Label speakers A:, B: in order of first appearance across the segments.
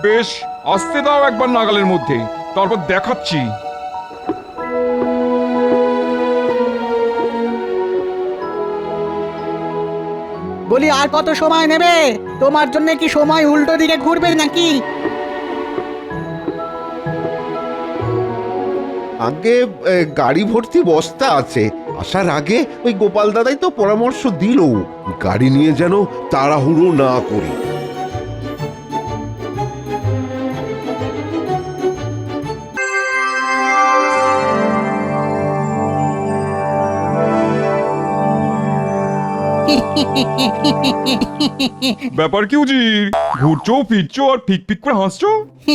A: বেশ, আসতে দাও একবার নাগালের মধ্যে, তারপর দেখাচ্ছি।
B: বলি আর কত সময় নেবে? তোমার জন্য কি সময় উল্টো দিকে ঘুরবে নাকি?
C: আগে গাড়ি ভর্তি বস্তা আছে। আসার আগে ওই গোপাল দাদাই তো পরামর্শ দিল গাড়ি নিয়ে যেন তাড়াহুড়ো না করি।
A: ব্যাপার কি উজির, ঘুরছো ফিরছো আর ফিক ফিক করে হাসছো?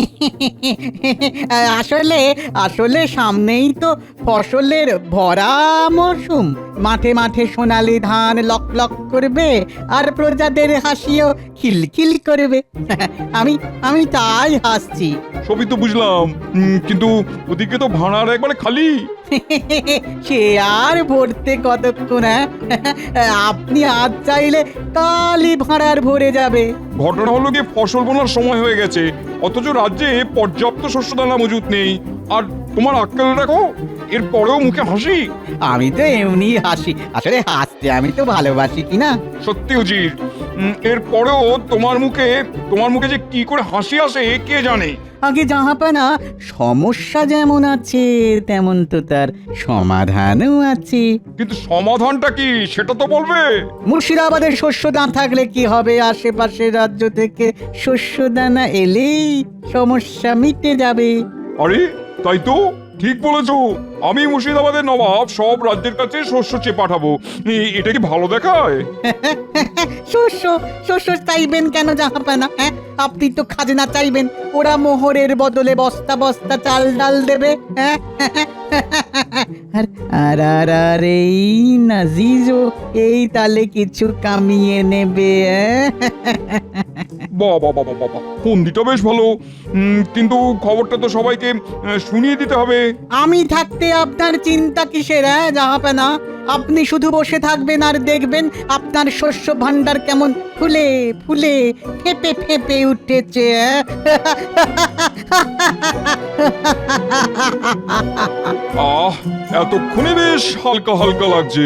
B: আসলে আসলে সামনেই তো ফসলের ভরা মরশুম। মাঠে মাঠে সোনালি ধান লক লক করবে আর প্রজাদের হাসিও খিলখিল করবে। আমি আমি তাই হাসছি।
A: সবই তো বুঝলাম, কিন্তু ওদিকে তো ভাড়ার একবারে খালি।
B: সে আর ভরতে কতক্ষণ? আপনি আজ চাইলে কালই ভাড়ার ভরে যাবে।
A: ঘটনা হলো গিয়ে ফসল বোনার সময় হয়ে গেছে, অথচ রাজ্যে পর্যাপ্ত শস্য দানা মজুত নেই। আর তোমার আক্কেল দেখো, এর পরেও মুখে হাসি।
B: আমি তো এমনি হাসি, আসলে হাসতে আমি তো ভালোবাসি কিনা।
A: সত্যি উজির, এর পরেও তোমার মুখে যে কি করে হাসি আসে কে জানে।
B: আগে জাহাপানা, সমস্যা যেমন আছে তেমন তো তার সমাধানও আছে।
A: কিন্তু সমাধানটা কি সেটা তো বলবে।
B: মুর্শিদাবাদের শস্য না থাকলে কি হবে? আশেপাশের রাজ্য থেকে শস্য দানা এলেই সমস্যা মিটে যাবে।
A: আরে তাই তো, ঠিক বলেছো। আমি মুর্শিদাবাদের নবাব সব রাজ্যের কাছে শস্য চেয়ে পাঠাবো। এটা কি ভালো দেখায়?
B: শস্য শস্য চাইবেন কেন জাহাপানা? হ্যাঁ, আপনি তো খাজনা চাইবেন, ওরা মোহরের বদলে বস্তা বস্তা চাল ডাল দেবে। হ্যাঁ, আর আর আর আর এই নাজিজও এই তালে কিছু কামিয়ে নেবে।
A: বাবা বাবা বাবা, ফন্দিটা বেশ ভালো, কিন্তু খবরটা তো সবাইকে শুনিয়ে দিতে হবে।
B: আমি থাকতে আপনার চিন্তা কিসের? জাহাপানা, আপনি শুধু বসে থাকবেন আর দেখবেন আপনার শস্য ভান্ডার কেমন ফুলে ফুলে ফেপে ফেপে উঠেছে।
A: আহ, এতক্ষণে বেশ হালকা হালকা লাগছে।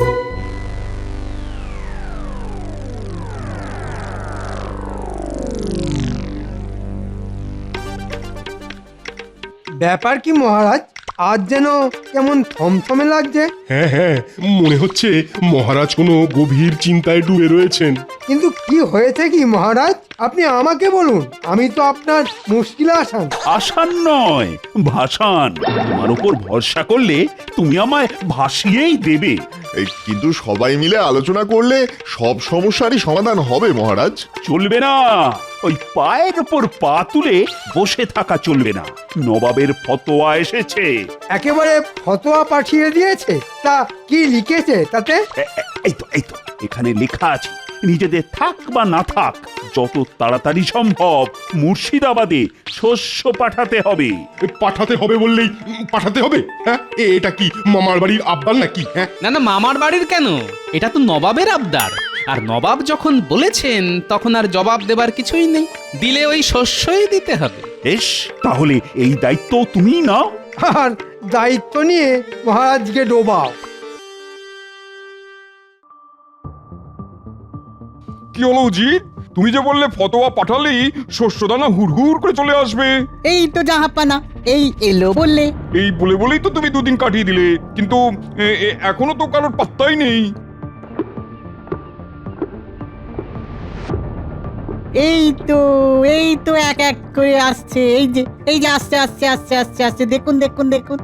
D: ব্যাপার কি মহারাজ, আজ যেন কেমন থমথমে লাগছে?
E: হ্যাঁ হ্যাঁ, মনে হচ্ছে মহারাজ কোনো গভীর চিন্তায় ডুবে রয়েছেন।
D: কিন্তু কি হয়েছে কি মহারাজ? আপনি আমাকে বলুন, আমি তো আপনার মুশকিলে আসান।
F: আসান নয়, ভাসান। তোমার উপর ভরসা করলে তুমি আমায় ভাসিয়েই দেবে।
G: কিন্তু সবাই মিলে আলোচনা করলে সব সমস্যারই সমাধান হবে মহারাজ।
F: চলবে না, ওই পায়ের উপর পা তুলে বসে থাকা চলবে না। নবাবের ফতোয়া এসেছে।
D: একেবারে ফতোয়া পাঠিয়ে দিয়েছে? তা কি লিখেছে তাতে?
F: এই তো এখানে লেখা আছে, নিজেদের থাক বা না থাক যত তাড়াতাড়ি সম্ভব মুর্শিদাবাদে শস্য পাঠাতে হবে।
E: পাঠাতে হবে বললেই পাঠাতে হবে? হ্যাঁ, এটা কি মামার বাড়ির আবদার নাকি? হ্যাঁ,
H: না না, মামার বাড়ির কেন, এটা তো নবাবের আবদার। আর নবাব যখন বলেছেন তখন আর জবাব দেবার কিছুই নেই, দিলে ওই শস্যই দিতে হবে।
F: বেশ, তাহলে এই দায়িত্ব তুমিই নাও।
D: আর দায়িত্ব নিয়ে মহারাজকে ডোবাও।
A: কি হলো উজির, তুমি যে বললে ফতোয়া পাঠালেই শস্যদানা হুড়হুড় করে চলে আসবে।
B: এই তো জাহাপানা, এই এলো বললে।
A: এই বলেই তো তুমি দুদিন কাটিয়ে দিলে, কিন্তু এখনো তো কারোর পাত্তাই নেই।
B: এই তো এক এক করে আসছে। এই যে আসছে আসছে আসছে আসছে আসছে, দেখুন দেখুন দেখুন।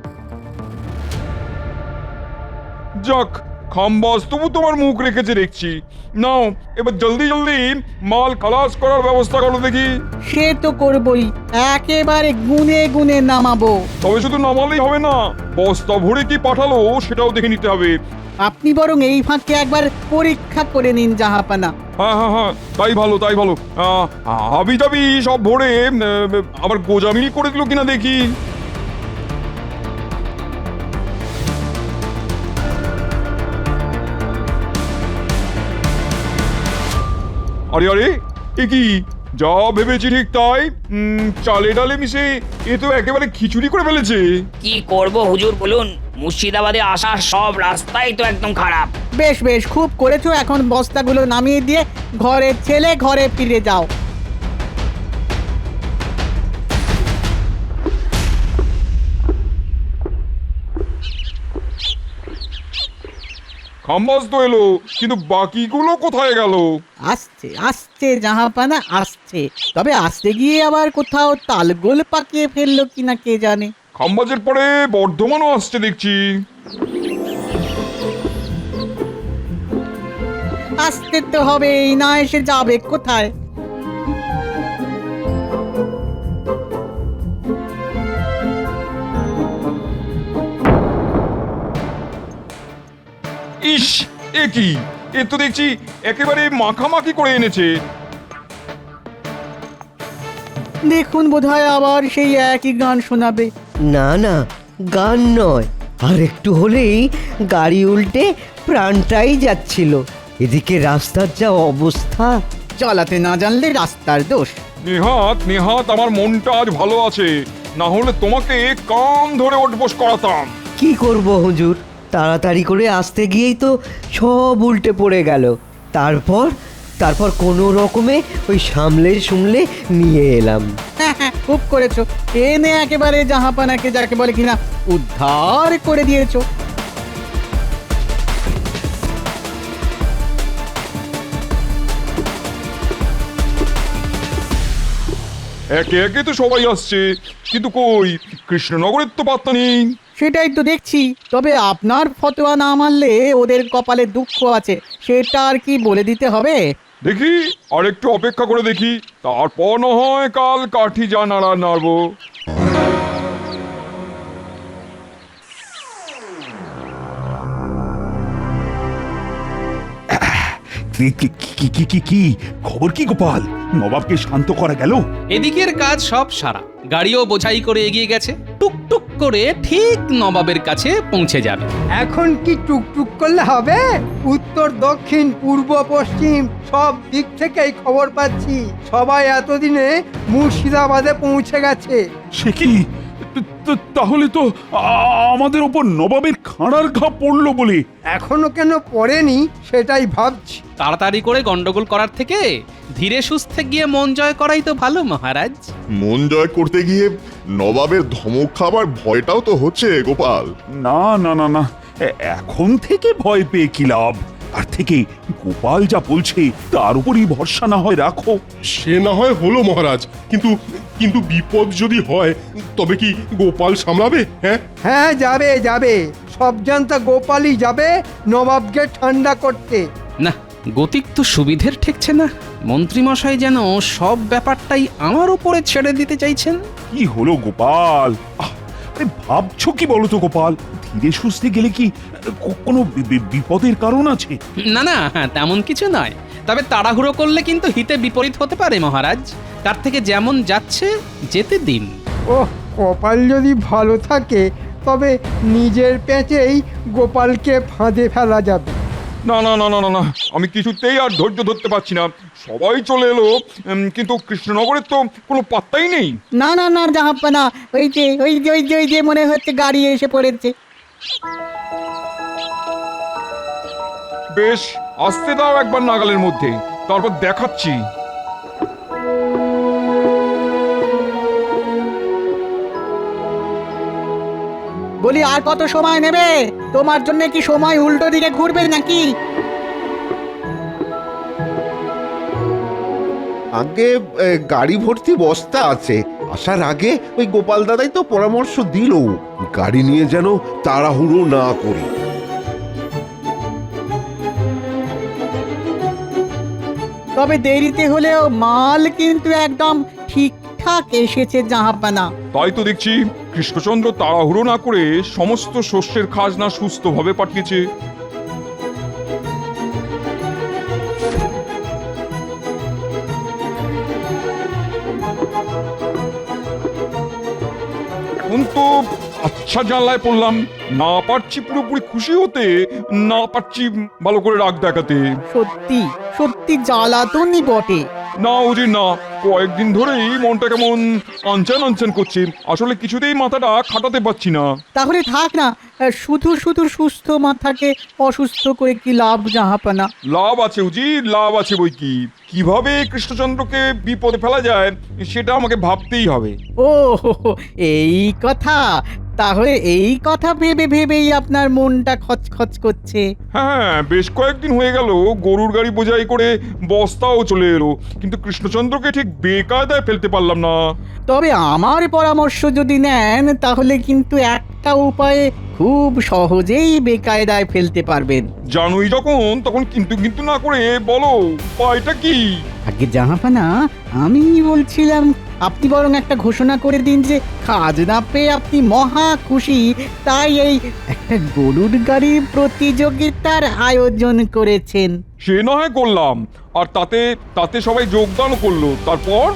A: যাক, খাম্বাস তবু তোমার মুখ রেখেছে দেখছি। নাও এবার জলদি জলদি মাল খালাস করার ব্যবস্থা করো দেখি।
B: সে তো করবই, একেবারে গুনে গুনে নামাবো।
A: তবে শুধু নামালেই হবে না, বস্তা ভরে কি পাঠালো সেটাও দেখে নিতে হবে।
B: আপনি বরং এই ফাঁকে একবার পরীক্ষা করে নিন জাহাপানা।
A: হ্যাঁ হ্যাঁ হ্যাঁ, তাই ভালো তাই ভালো। হাবি জাবি সব ভরে আবার গোজামিল করে দিল কিনা দেখি। আরে আরে, এ কি যা ভেবেছি ঠিক তাই। চালে ডালে মিশে এ তো একেবারে খিচুড়ি করে ফেলেছে।
I: কি করব হুজুর বলুন, মুর্শিদাবাদে আসার সব রাস্তাই তো একদম খারাপ।
B: বেশ বেশ, খুব করেছো। এখন বস্তাগুলো নামিয়ে দিয়ে ঘরে ছেলে ঘরে ফিরে যাও।
A: খাম্বাস তো এলো, কিন্তু বাকিগুলো কোথায় গেল?
B: আসছে আসছে জাহাপানা আসছে, তবে আসতে গিয়ে আবার কোথাও তালগোল পাকিয়ে ফেললো কিনা কে জানে।
A: খাম্বাজের পরে বর্ধমানও আসছে দেখছি।
B: আসতে তো হবেই, না এসে যাবে কোথায়?
A: ইস, এ কি? এ তো দেখছি একেবারে মাখামাখি করে এনেছে।
B: দেখুন, বোধহয় আবার সেই একই গান শোনাবে।
J: না না, গান নয়, আর একটু হলেই গাড়ি উল্টে প্রাণটাই যাচ্ছিল। এদিকে রাস্তার যা অবস্থা।
B: চালাতে না জানলে রাস্তার দোষ।
A: নেহাত নেহাত আমার মনটা আজ ভালো আছে, না হলে তোমাকে কান ধরে ওঠবোস করাতাম।
J: কি করব হুজুর, তাড়াতাড়ি করে আসতে গিয়েই তো সব উল্টে পড়ে গেল। তারপর কোনো রকমে ওই সামলে নিয়ে এলাম।
B: হ্যাঁ হ্যাঁ, খুব করেছো। এনে একেবারে জাহাপানাকে যাকে বলে কিনা উদ্ধার করে দিয়েছো।
A: একে একে তো সবাই আসছে, কিন্তু কই কৃষ্ণনগরের তো পাত্তা নেই।
B: সেটাই তো দেখছি। তবে আপনার ফতোয়া না মানলে ওদের কপালে দুঃখ আছে, সেটা আর কি বলে দিতে হবে?
A: দেখি আর একটু অপেক্ষা করে দেখি, তারপর না হয় কাল কাঠি যা নাড়া নাড়বো।
F: কি খবর কি গোপাল? নবাবকে শান্ত করা গেল?
H: এদিকের কাজ সব সারা, গাড়িও বোঝাই করে এগিয়ে গেছে, টুকটুক করে ঠিক নবাবের কাছে পৌঁছে যাবে।
D: এখন কি টুকটুক করলে হবে? উত্তর দক্ষিণ পূর্ব পশ্চিম সব দিক থেকেই খবর পাচ্ছি সবাই এতদিনে মুর্শিদাবাদে পৌঁছে গেছে।
F: সে কি? তাহলে তো আমাদের ওপর নবাবের খাঁড়ার ঘা পড়লো বলে।
D: এখনো কেন পড়েনি সেটাই ভাবছি।
H: তাড়াতাড়ি করে গন্ডগোল করার থেকে ধীরে সুস্থে গিয়ে মন জয় করাই তো ভালো মহারাজ।
G: মন জয় করতে গিয়ে নবাবের ধমক খাবার ভয়টাও তো হচ্ছে গোপাল।
F: না না না না, এখন থেকে ভয় পেয়ে কি লাভ? তার থেকে গোপাল যা বলছে তার উপরই ভরসা না হয় রাখো।
E: সে না হয় হলো মহারাজ, কিন্তু কিন্তু বিপদ যদি হয় তবে কি গোপাল সামলাবে? হ্যাঁ
D: হ্যাঁ, যাবে যাবে, সব জানতা গোপালই যাবে নবাবকে ঠান্ডা করতে।
H: না, গতিক তো সুবিধের ঠেকছে না। মন্ত্রীমশাই যেন সব ব্যাপারটাই আমার উপরে ছেড়ে দিতে চাইছেন।
F: কি হলো গোপাল? আরে ভাবছো কি বলো তো গোপাল? ধীরে সুস্থে গেলে কি কোনো বিপদের কারণ আছে?
H: না না, তেমন কিছু নয়। তবে তাড়াহুড়ো করলে কিন্তু হিতে বিপরীত হতে পারে মহারাজ। তার থেকে যেমন যাচ্ছে যেতে দিন।
D: ওহ, কপাল যদি ভালো থাকে তবে নিজের পেঁচেই গোপালকে ফাঁদে ফেলা যাবে।
A: না না না না না না, আমি কিছুতেই আর ধৈর্য ধরতে পারছি না। সবাই চলে এলো, কিন্তু কৃষ্ণনগরের তো কোনো পাত্তাই নেই।
B: না না না জাহাপানা, ওই যে মনে হচ্ছে গাড়ি এসে পড়েছে।
A: বেশ, আসতে দাও একবার নাগালের মধ্যে, তারপর দেখাচ্ছি।
B: বলি আর কত সময় নেবে? তোমার জন্য কি সময় উল্টো দিকে ঘুরবে নাকি?
C: আগে গাড়ি ভর্তি বস্তা আছে, আসার আগে ওই গোপাল দাদাই তো পরামর্শ দিল গাড়ি নিয়ে যেন তাড়াহুড়ো না করি।
B: তবে দেরিতে হলেও মাল কিন্তু একদম ঠিকঠাক এসেছে জাহাপানা।
A: তাই তো দেখছি কৃষ্ণচন্দ্র তাড়াহুড়ো না করে সমস্ত শস্যের খাজনা সুস্থভাবে পাঠিয়েছে। কিন্তু আচ্ছা জানলায় পড়লাম, না পারছি পুরোপুরি খুশি হতে, না পারছি ভালো করে রাগ দেখাতে।
B: সত্যি সত্যি জ্বালাতনই বটে।
A: না উজির না, কয়েকদিন ধরেই মনটা কেমন আনচান আনচান করছে। আসলে কিছুতেই মাথাটা খাটাতে পারছি না।
B: তাহলে থাক না, শুধু শুধু সুস্থ মাথাকে অসুস্থ করে কি লাভ জাহাপানা?
A: লাভ আছে উজির, লাভ আছে বই কি। কিভাবে কৃষ্ণচন্দ্রকে বিপদে ফেলা যায় সেটা আমাকে ভাবতেই হবে।
B: ও এই কথা, তাহলে এই কথা ভেবে ভেবেই আপনার মনটা খচখচ করছে।
A: হ্যাঁ, বেশ কয়েকদিন হয়ে গেল গরুর গাড়ি বোঝাই করে বস্তাও চলে এলো, কিন্তু কৃষ্ণচন্দ্রকে ঠিক বেকায়দায় ফেলতে পারলাম না।
B: তবে আমার পরামর্শ যদি নেন তাহলে কিন্তু একটা উপায়ে খুব সহজেই বেকায়দায় ফেলতে পারবেন।
A: জানোই যখন তখন কিন্তু কিন্তু না করে বলো উপায়টা কি?
B: আগে জাহাপানা, আমি বলছিলাম আপনি বরং একটা ঘোষণা করে দিন যে খাজনা পেয়ে আপনি মহা খুশি, তাই এই একটা গরুর গাড়ির প্রতিযোগিতার আয়োজন করেছেন।
A: সে না হয় করলাম, আর তাতে তাতে সবাই যোগদানও করলো। তারপর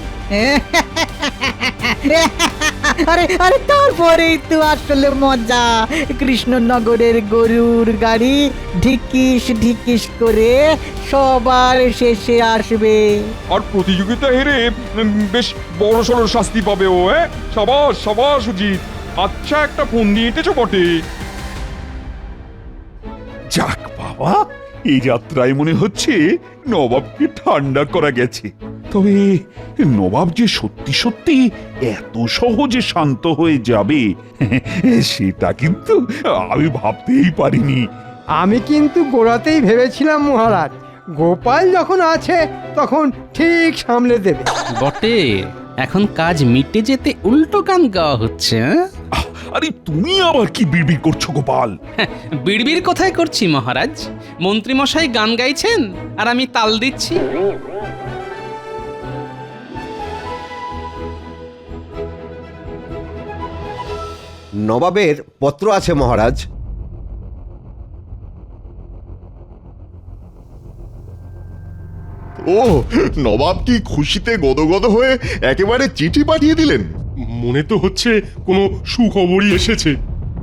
B: আরে আরে তারপরেই তো আসলে মজা। কৃষ্ণনগরের গরুর গাড়ি ঢিকিস ঢিকিস করে সবার শেষে আসবে।
A: আর প্রতিযোগিতা হেরে বেশ বড় সড় শাস্তি পাবে ও। সাবাস সাবাস উচিত। আচ্ছা, একটা ফোন দিয়ে এঁটেছো বটে।
F: যাক বাবা, এই যাত্রায় মনে হচ্ছে নবাবকে ঠান্ডা করা গেছে। তবে নবাব যে সত্যি সত্যি এত সহজে শান্ত হয়ে যাবে সেটা কিন্তু আমি ভাবতেই পারিনি।
D: আমি কিন্তু গোড়াতেই ভেবেছিলাম মহারাজ, গোপাল যখন আছে তখন ঠিক সামলে দেবে।
H: বটে, এখন কাজ মিটে যেতে উল্টো গান গাওয়া হচ্ছে।
F: আরে তুমি আবার কি বিড়বিড় করছো গোপাল?
H: বিড়বিড় কোথায় করছি মহারাজ? মন্ত্রীমশাই গান গাইছেন আর আমি তাল দিচ্ছি।
C: নবাবের পত্র আছে মহারাজ।
G: ও, নবাব কি খুশিতে গদগদ হয়ে একেবারে চিঠি পাঠিয়ে দিলেন?
E: মনে তো হচ্ছে কোনো সুখবরই এসেছে।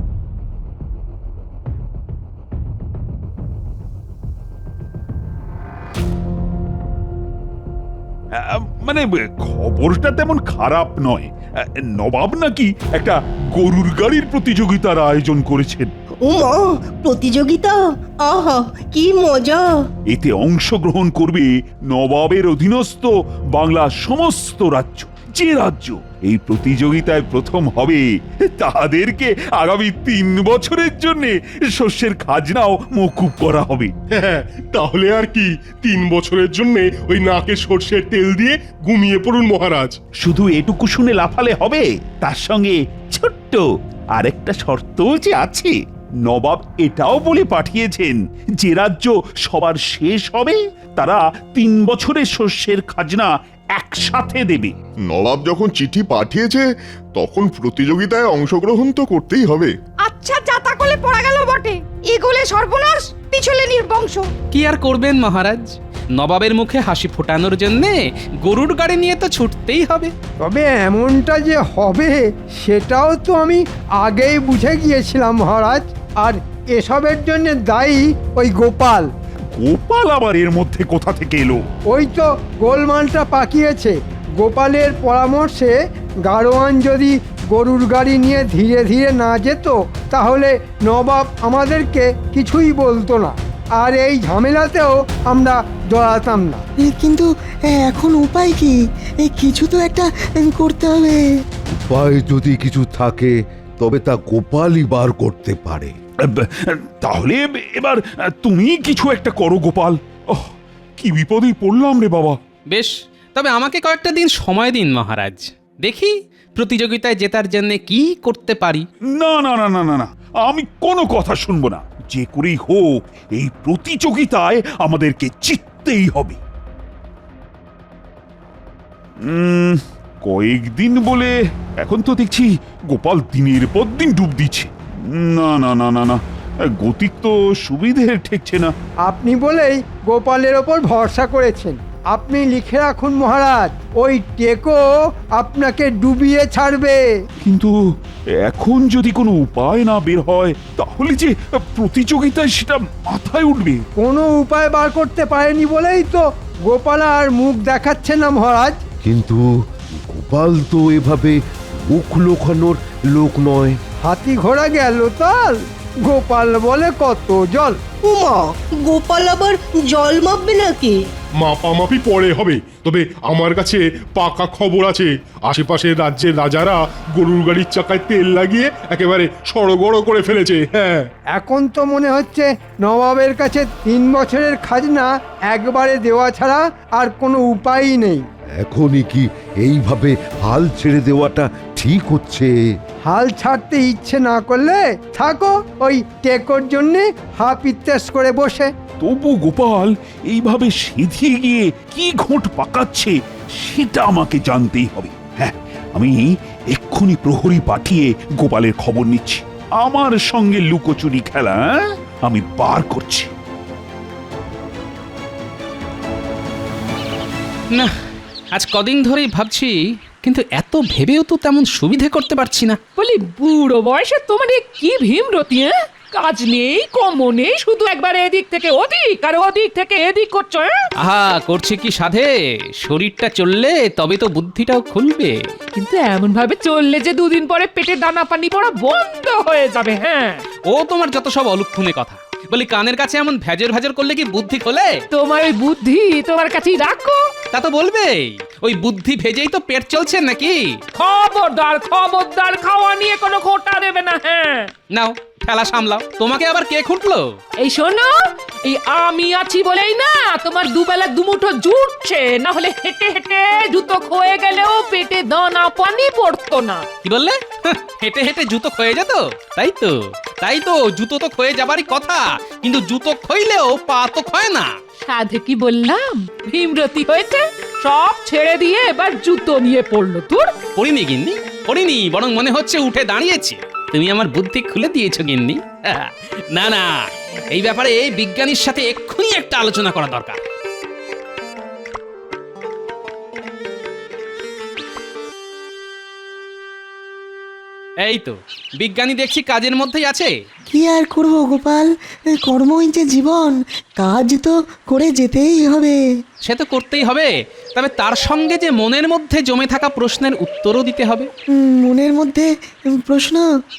F: মানে খবরটা তেমন খারাপ নয়। নবাব নাকি একটা গরুর গাড়ির প্রতিযোগিতার আয়োজন করেছেন।
K: উমা, প্রতিযোগিতা! আহা, কি মজা!
F: এতে অংশগ্রহণ করবে নবাবের অধীনস্থ বাংলার সমস্ত রাজ্য। যে রাজ্য এই প্রতিযোগিতায় প্রথম হবে তাদেরকে আগামী 3 বছরের জন্য শস্যের খাজনাও মকুব করা হবে।
E: হ্যাঁ, তাহলে আর কি, 3 বছরের জন্য ওই নাকে সর্ষের তেল দিয়ে ঘুমিয়ে পড়ুন মহারাজ।
F: শুধু এটুকু শুনে লাফালে হবে, তার সঙ্গে ছোট্ট আরেকটা শর্তও যে আছে। নবাব এটাও বলে পাঠিয়েছেন, যে রাজ্য সবার শেষ হবে তারা 3 বছরের শস্যের খাজনা একসাথে দেবে।
G: নবাব যখন চিঠি পাঠিয়েছে তখন প্রতিযোগিতায় অংশগ্রহণ তো করতেই হবে।
K: আচ্ছা, যাতা কলে পড়া গেল বটে। এগোলে সর্বনাশ, পিছলে নির্বংশ।
H: কি আর করবেন মহারাজ, নবাবের মুখে হাসি ফোটানোর জন্যে গরুর গাড়ি নিয়ে তো ছুটতেই হবে।
D: তবে এমনটা যে হবে সেটাও তো আমি আগেই বুঝে গিয়েছিলাম মহারাজ। আর এসবের জন্য দায়ী ওই গোপাল।
F: গোপাল আবার এর মধ্যে কোথা থেকে এলো?
D: ওই তো গোলমালটা পাকিয়েছে। গোপালের পরামর্শে গাড়োয়ান যদি গরুর গাড়ি নিয়ে ধীরে ধীরে না যেত তাহলে নবাব আমাদেরকে কিছুই বলতো না, আর এই ঝামেলাতেও আমরা জড়াতাম না।
J: কিন্তু এখন উপায় কি? কিছু তো একটা করতে হবে।
C: উপায় যদি কিছু থাকে তবে তা গোপালই বার করতে পারে।
F: তাহলে এবার তুমি কিছু একটা করো গোপাল। কি বিপদেই পড়লাম রে বাবা।
H: বেশ, তবে আমাকে কয়েকটা দিন সময় দিন মহারাজ, দেখি প্রতিযোগিতায় জেতার জন্য কি করতে পারি।
F: না না না না না না, আমি কোনো কথা শুনবো না। যে করেই হোক এই প্রতিযোগিতায় আমাদেরকে জিততেই হবে। কয়েকদিন বলে এখন তো দেখছি গোপাল দিনের পর দিন ডুব দিচ্ছে। না না না না না, গতিক তো সুবিধে ঠেকছে না।
D: আপনি বলেই গোপালের ওপর ভরসা করেছেন। আপনি লিখে রাখুন মহারাজ, ওই টেকো আপনাকে ডুবিয়ে ছাড়বে।
F: কিন্তু এখন যদি কোনো উপায় না বের হয় তাহলে যে প্রতিযোগিতায় সেটা মাথায় উঠবে।
D: কোনো উপায় বার করতে পারেনি বলেই তো গোপাল আর মুখ দেখাচ্ছে না মহারাজ।
C: কিন্তু গোপাল তো এভাবে মুখ লোকানোর লোক নয়।
D: হাতি ঘোড়া গেল তাল, গোপাল বলে কত জল।
J: উমা, গোপাল আবার জল মাপবে নাকি?
E: মাপামাপি পরে হবে, তবে আমার কাছে পাকা খবর আছে। আশেপাশের রাজ্যের রাজারা গরুর গাড়ির চাকায় তেল লাগিয়ে একেবারে সড়গড় করে ফেলেছে। হ্যাঁ,
D: এখন তো মনে হচ্ছে নবাবের কাছে 3 বছরের খাজনা একবারে দেওয়া ছাড়া আর কোনো উপায়ই নেই।
C: এখনই কি এইভাবে হাল ছেড়ে দেওয়াটা ঠিক হচ্ছে?
D: হাল ছাড়তে ইচ্ছে না করলে থাকো ওই টেকোর জন্যে হাফ ইত্যাস করে বসে।
F: তবু গোপাল এইভাবে সিধিয়ে গিয়ে কি ঘোট পাকাচ্ছে সেটা আমাকে জানতেই হবে। হ্যাঁ, আমি এক্ষুনি প্রহরী পাঠিয়ে গোপালের খবর নিচ্ছি। আমার সঙ্গে লুকোচুরি খেলা আমি বার করছি।
H: না, আজ কদিন ধরেই ভাবছি, কিন্তু এত ভেবেও তো তেমন সুবিধে করতে পারছি না।
K: বলি বুড়ো বয়সে তোমার এ কি ভীমরতি, হ্যাঁ? কাজ নেই, কম নেই, শুধু একবার এদিক থেকে ওদিক আর ওদিক থেকে এদিক করছো, হ্যাঁ?
H: আহা, করছে কি সাধে? শরীরটা চললে তবে তো বুদ্ধিটাও খুলবে।
K: কিন্তু এমন ভাবে চললে যে 2 দিন পরে পেটে দানা পানি পড়া বন্ধ হয়ে যাবে। হ্যাঁ,
H: ও তোমার যত সব অলক্ষণে কথা। বলি, কানের কাছে এমন ভেজর ভেজর করলে কি বুদ্ধি খোলে?
K: তোমার ওই বুদ্ধি তোমার কাছেই রাখো।
H: তা তো বলবেই, ওই বুদ্ধি ভেজেই তো পেট চলছে নাকি?
K: খবরদার খবরদার, খাওয়া নিয়ে কোনো খোটা দেবে না। হ্যাঁ,
H: নাও, খেলা সামলাও। তোমাকে আবার কে খুঁটলো?
K: এই শোনো, এই আমি আছি বলেই না তোমার দুবেলা দুমুঠো জুটছে, না হলে হেঁটে হেঁটে জুতো ক্ষয়ে গেলেও পেটে দানা পানি পড়তো না।
H: কি বললে? হেঁটে হেঁটে জুতো ক্ষয়ে যেত? তাই তো, তাই তো, জুতো তো ক্ষয়ে যাবারই কথা, কিন্তু জুতো ক্ষইলেও পা তো ক্ষয় না।
K: সাধে কি বললাম, ভীমরতি হয়েছে, সব ছেড়ে দিয়ে এবার জুতো নিয়ে পড়লো। তোর
H: পড়িনি গিন্নি, পড়িনি, বরং মনে হচ্ছে উঠে দাঁড়িয়েছি। তুমি আমার বুদ্ধি খুলে দিয়েছো গিন্নি। না না, এই ব্যাপারে বিজ্ঞানীর সাথে এক্ষুনি একটা আলোচনা করা দরকার। এই তো বিজ্ঞানী দেখছি কাজের মধ্যেই আছে।
B: কি আর করব গোপাল, কর্মই যে জীবন, কাজ তো করে যেতেই হবে।
H: সে তো করতেই হবে, তবে তার সঙ্গে যে মনের মধ্যে জমে থাকা প্রশ্নের উত্তরও দিতে হবে।
B: মনের মধ্যে প্রশ্ন,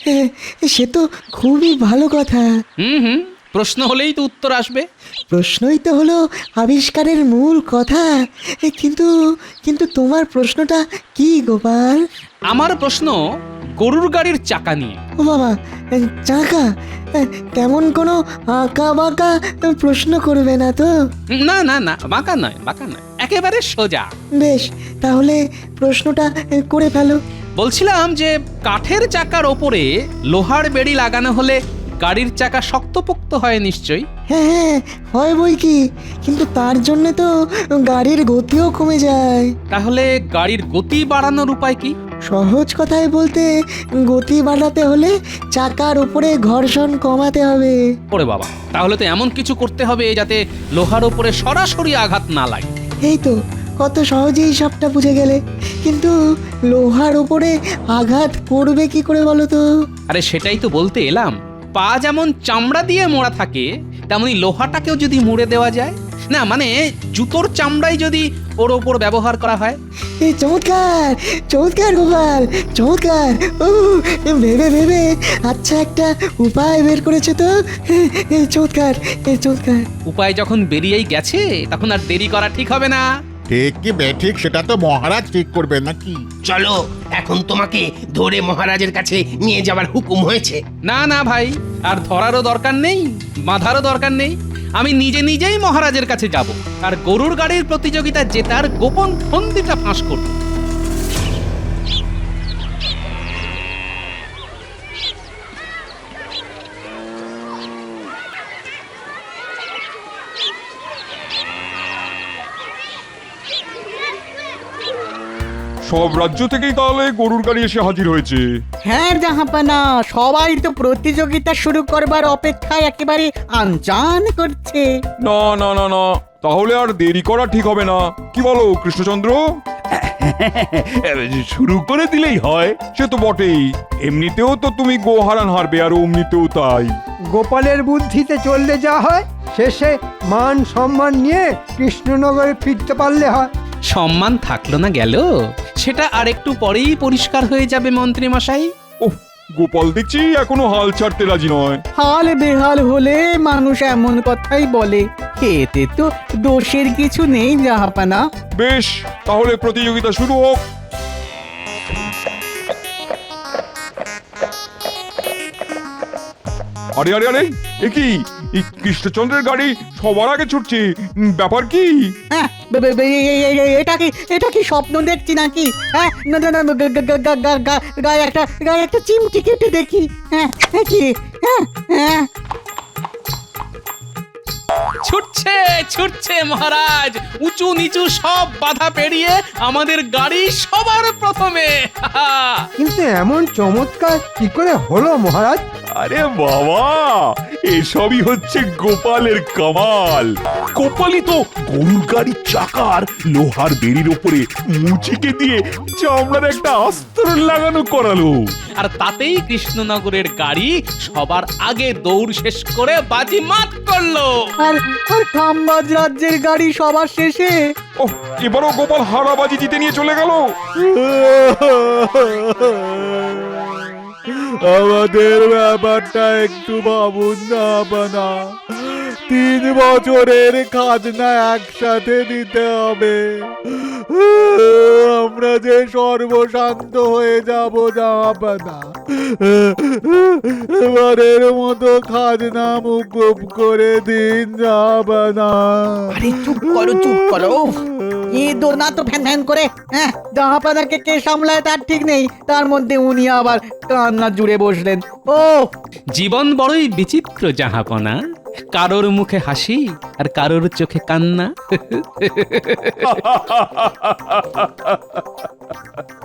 B: সে তো খুবই ভালো কথা।
H: হুম, প্রশ্ন হলেই তো উত্তর আসবে।
B: প্রশ্নই তো হলো আবিষ্কারের মূল কথা। কিন্তু কিন্তু তোমার প্রশ্নটা কি গোপাল?
H: আমার প্রশ্ন গরুর গাড়ির চাকা নিয়ে।
B: ও বাবা, চাকা? তেমন কোনো আঁকা বাঁকা প্রশ্ন করবে না তো?
H: না না না, বাঁকা নয়, বাঁকা নয়, একেবারে সোজা।
B: বেশ, তাহলে প্রশ্নটা করে ফেলো।
H: বলছিলাম যে কাঠের চাকার ওপরে লোহার বেড়ি লাগানো হলে গাড়ির চাকা শক্তপোক্ত হয় নিশ্চয়ই।
B: হ্যাঁ, হয় বই কি, কিন্তু তার জন্য তো গাড়ির গতিও কমে যায়।
H: তাহলে গাড়ির গতি বাড়ানোর উপায় কি?
B: সহজ কথায় বলতে, গতি বাড়াতে হলে চাকার উপরে ঘর্ষণ কমাতে হবে।
H: ওরে বাবা, তাহলে তো এমন কিছু করতে হবে যাতে লোহার ওপরে সরাসরি আঘাত না লাগে।
B: এই তো, কত সহজেই সবটা বুঝে গেলে। কিন্তু লোহার উপরে আঘাত করবে কি করে বলো তো?
H: আরে সেটাই তো বলতে এলাম। পা যেমন চামড়া দিয়ে মোড়া থাকে, তেমনি লোহাটাকেও যদি মুড়ে দেওয়া যায়, না মানে জুতোর চামড়াই যদি ওর ওপর ব্যবহার করা হয়।
B: এই চমৎকার, চমৎকার গোপাল, চমৎকার। ও, ভেবে ভেবে আচ্ছা একটা উপায় বের করেছে তো। চমৎকার, চমৎকার।
H: উপায় যখন বেরিয়েই গেছে, তখন আর দেরি করা ঠিক হবে না।
L: ঠিক কি বেঠিক সেটা তো মহারাজ ঠিক করবে নাকি?
I: চলো, এখন তোমাকে ধরে মহারাজের কাছে নিয়ে যাবার হুকুম হয়েছে।
H: না না ভাই, আর ধরারও দরকার নেই, বাঁধারও দরকার নেই। আমি নিজে নিজেই মহারাজের কাছে যাব, আর গরুর গাড়ির প্রতিযোগিতা জেতার গোপন ফন্দিটা ফাঁস করব।
A: সব রাজ্য থেকেই তাহলে গরুর গাড়ি এসে হাজির হয়েছে।
B: হ্যাঁ জাহাপানা, সবাই তো প্রতিযোগিতা শুরু করবার অপেক্ষায় একেবারে আনজান করছে।
A: না না না না, তাহলে আর দেরি করা ঠিক হবে না। কি বলো কৃষ্ণচন্দ্র?
F: শুরু করে দিলেই হয়।
A: সে তো বটেই, এমনিতেও তো তুমি গোহারান হারবে, আর অমনিতেও তাই।
D: গোপালের বুদ্ধিতে চললে যা হয়, শেষে মান সম্মান নিয়ে কৃষ্ণনগরে ফিরতে পারলে হয়।
H: সম্মান থাকলো না গেল, সেটা আর একটু পরেই পরিষ্কার হয়ে যাবে মন্ত্রী মশাই।
A: ওহ, গোপাল দেখছি এখনো হাল ছাড়তে রাজি নয়।
B: হাল বেহাল হলে মানুষ এমন কথাই বলে, এতে তো দোষের কিছু নেই জাহাপানা।
A: বেশ, তাহলে প্রতিযোগিতা শুরু হোক। আরে আরে আরে, এ কি, এই কৃষ্ণচন্দ্রের গাড়ি সবার আগে ছুটছে, ব্যাপার কি?
B: হ্যাঁ, এটা কি স্বপ্ন দেখছি নাকি? হ্যাঁ, না না না, গায়ে একটা চিমটি কেটে দেখি। হ্যাঁ, কি? হ্যাঁ হ্যাঁ,
H: ছুটছে ছুটছে মহারাজ, উঁচু নিচু সব বাধা পেরিয়ে আমাদের গাড়ি সবার প্রথমে।
D: কিন্তু এমন চমৎকার কি করে হলো মহারাজ?
F: আরে বাবা, এসবই হচ্ছে গোপালের কামাল। গোপালই তো গরুর গাড়ির চাকার লোহার বেড়ির ওপরে মুচিকে দিয়ে চামড়ার একটা আস্তরণ লাগানো করালো।
H: আর তাতেই কৃষ্ণনগরের গাড়ি সবার আগে দৌড় শেষ করে বাজিমাত করলো।
B: আর খাম্বাজ রাজ্যের গাড়ি সবার শেষে।
A: ওহ, এবারও গোপাল হারাবাজি জিতে নিয়ে চলে গেল।
L: আমাদের ব্যাপারটা একটু ভাবুন না বানা। 3 বছরের খাজনা একসাথে দিতে হবে। আমরা যে সর্বশান্ত হয়ে যাব জাহাপানা। এবারের মতো খাজনা মুকুব করে দিন জাহাপানা।
B: আরে চুপ করো। এ দোনা তো ফ্যান ফ্যান করে। হ্যাঁ, জাহাপানাকে কে সামলায় তার ঠিক নেই, তার মধ্যে উনি আবার কান্না জুড়ে বসলেন। ও
H: জীবন বড়ই বিচিত্র জাহাপনা, কারোর মুখে হাসি আর কারোর চোখে কান্না।